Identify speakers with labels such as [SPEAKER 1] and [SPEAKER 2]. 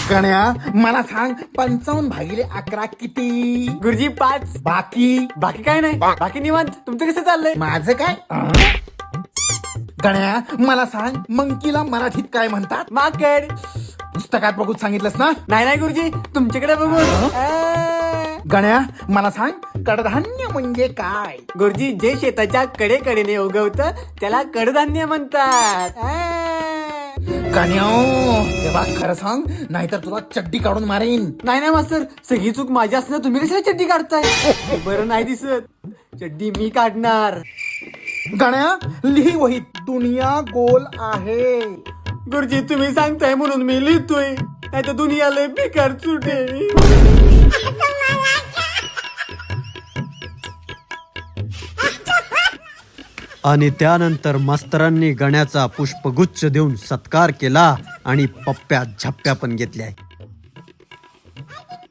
[SPEAKER 1] गण्या मला सांग 55/11 किती?
[SPEAKER 2] गुरुजी 5.
[SPEAKER 1] बाकी
[SPEAKER 2] बाकी काय नाही, बाकी निवांत. तुमचं कसं चाललंय?
[SPEAKER 1] माझं काय? गण्या मला सांग मंकीला मराठीत काय म्हणतात?
[SPEAKER 2] माकड.
[SPEAKER 1] पुस्तकात बघून सांगितलंस ना?
[SPEAKER 2] नाही गुरुजी, तुमच्याकडे बघून.
[SPEAKER 1] गण्या मला सांग कडधान्य म्हणजे काय?
[SPEAKER 2] गुरुजी, जे शेताच्या कडेकडेने उगवतं त्याला कडधान्य म्हणतात.
[SPEAKER 1] गण्या तेव्हा खरं सांग नाहीतर तुला चड्डी काढून मारेन.
[SPEAKER 2] नाही मास्तर, सगळी चूक माझी असणार, तुम्ही कशाला चड्डी काढताय? बरं नाही दिसत, चड्डी मी काढणार.
[SPEAKER 1] गण्या लिही वहीत दुनिया गोल आहे.
[SPEAKER 2] गुरुजी, तुम्ही सांगताय म्हणून मी लिहितोय, नाही तर दुनियाला बेकार सुटे.
[SPEAKER 3] आणि त्यानंतर मास्तरांनी गण्याचा पुष्पगुच्छ देऊन सत्कार केला आणि पप्प्या झप्प्या पण घेतल्या.